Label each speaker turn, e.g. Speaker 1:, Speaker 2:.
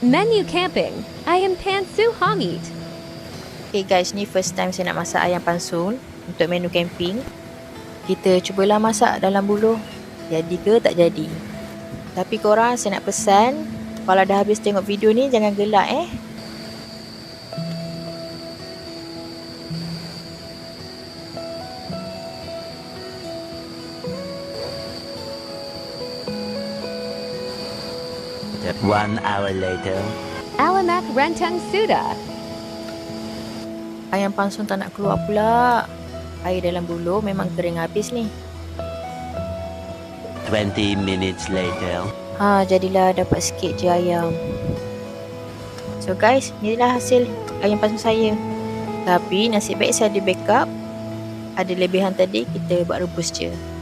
Speaker 1: Menu camping. Ayam pansu hangit.
Speaker 2: Okay guys, ni first time saya nak masak ayam pansun untuk menu camping. Kita cubalah masak dalam buluh. Jadi ke tak jadi. Tapi korang, saya nak pesan, kalau dah habis tengok video ni, jangan gelak
Speaker 3: One hour later.
Speaker 1: Alamak rentang sudah.
Speaker 2: Ayam pansun tak nak keluar pula. Air dalam buluh memang kering habis ni.
Speaker 3: 20 minutes later.
Speaker 2: Jadilah dapat sikit je ayam. So guys, inilah hasil ayam pansun saya. Tapi nasib baik saya ada backup. Ada lebihan tadi, kita buat rebus je.